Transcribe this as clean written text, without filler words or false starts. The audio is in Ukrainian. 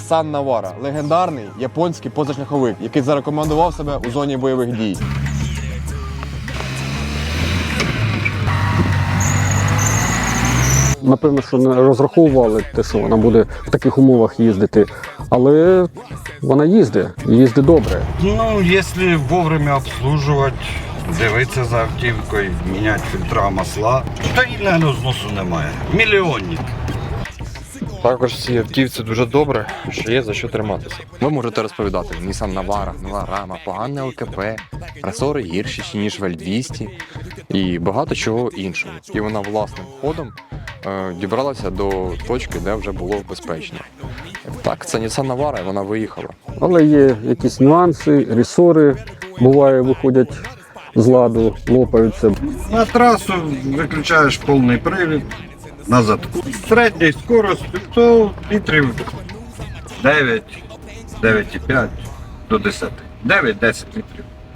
Nissan Navara – легендарний японський позашляховик, який зарекомендував себе у зоні бойових дій. Напевно, що не розраховували те, що вона буде в таких умовах їздити, але вона їздить добре. Ну, якщо вовремя обслужувати, дивитися за автівкою, міняти фільтра, масла, стабільного зносу немає. Мільйонник. Також в цій автівці дуже добре, що є за що триматися. Ви можете розповідати, Nissan Navara, нова рама, погане ЛКП, ресори гірші, ніж в L200 і багато чого іншого. І вона власним ходом дібралася до точки, де вже було безпечно. Так, це Nissan Navara, і вона виїхала. Але є якісь нюанси, ресори, буває, виходять з ладу, лопаються. На трасу виключаєш повний привід на задку. Середньої скорості то літрів 9, 9,5 до 10. 9-10 літрів.